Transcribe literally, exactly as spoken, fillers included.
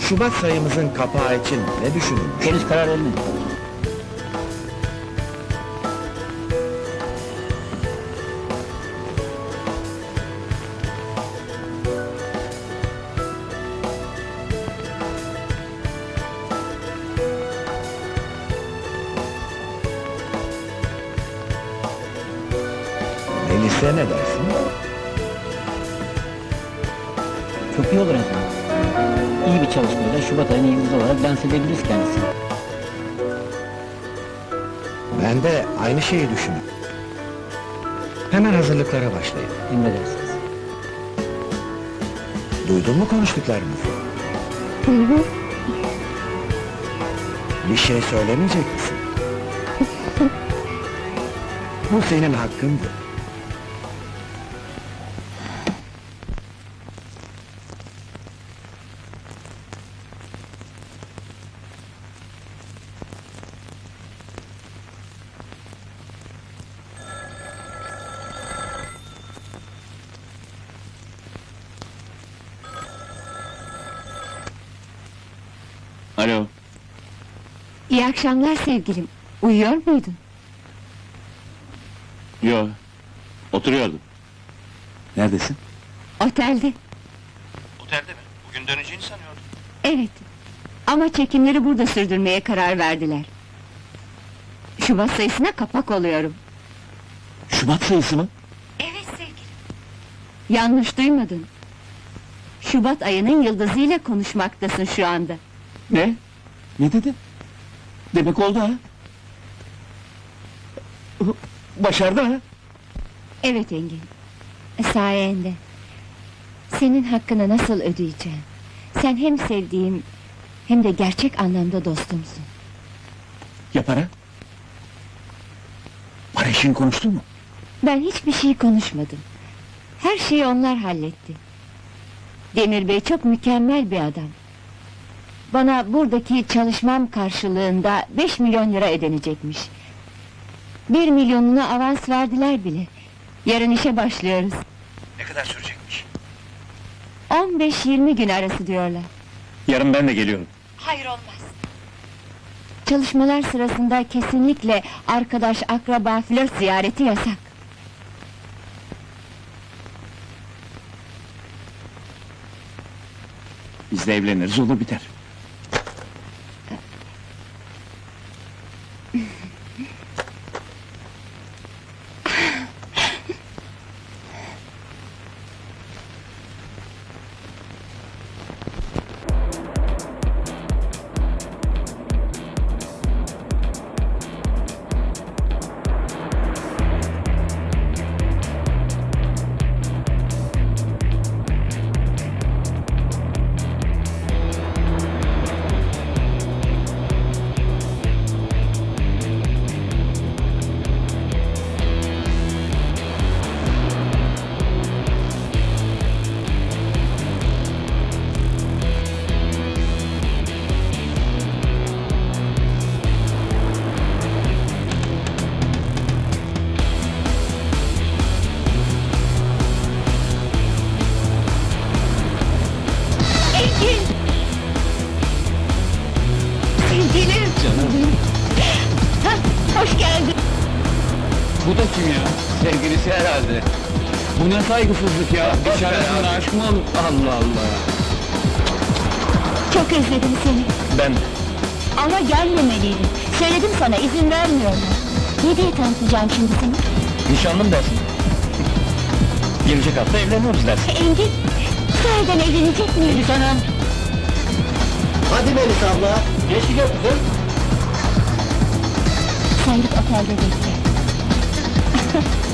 Şubat sayımızın kapağı için ne düşünülmüş? Henüz karar vermedik. Melis'e ne dersin? Çok iyi olur efendim. İyi bir çalışmayla Şubat ayının yıldızı olarak dans edebiliriz kendisini. Ben de aynı şeyi düşünüyorum. Hemen hazırlıklara başlayın. Emredersiniz. Duydun mu konuştuklarımızı? Hı hı. Bir şey söylemeyecek misin? Bu senin hakkındı. Alo, İyi akşamlar sevgilim. Uyuyor muydun? yo, oturuyordum. Neredesin? Otelde. Otelde mi? Bugün döneceğini sanıyordum. Evet. Ama çekimleri burada sürdürmeye karar verdiler. Şubat sayısına kapak oluyorum. Şubat sayısı mı? Evet sevgilim. Yanlış duymadın. Şubat ayının yıldızıyla konuşmaktasın şu anda. Ne? Ne dedin? Demek oldu ha? Başardı ha? Evet Engin. Sayende. Senin hakkını nasıl ödeyeceğim? Sen hem sevdiğim hem de gerçek anlamda dostumsun. Ya para? Para işini konuştun mu? Ben hiçbir şey konuşmadım. Her şeyi onlar halletti. Demir Bey çok mükemmel bir adam. Bana buradaki çalışmam karşılığında beş milyon lira ödenecekmiş. Bir milyonunu avans verdiler bile. Yarın işe başlıyoruz. Ne kadar sürecekmiş? on beş yirmi gün arası diyorlar. Yarın ben de geliyorum. Hayır olmaz. Çalışmalar sırasında kesinlikle arkadaş, akraba, flört ziyareti yasak. Biz de evleniriz, olur biter. Engin! Sevgilim! Canım. Hah, hoş geldin! Bu da kim ya? Sevgilisi herhalde. Bu ne saygısızlık ya? Dışarısında aşk mı olur? Allah Allah! Çok özledim seni. Ben... Ama gelmemeliydin. Söyledim sana, izin vermiyorlar. Ne diye tanıtacağım şimdi seni? Nişanlım dersin. Gelecek hafta evleniyoruz dersin. Engin, sahiden evlenecek miyiz? Melis Hanım! Hadi Melis abla! Geçti yok kızım. Sen git otelde bekle.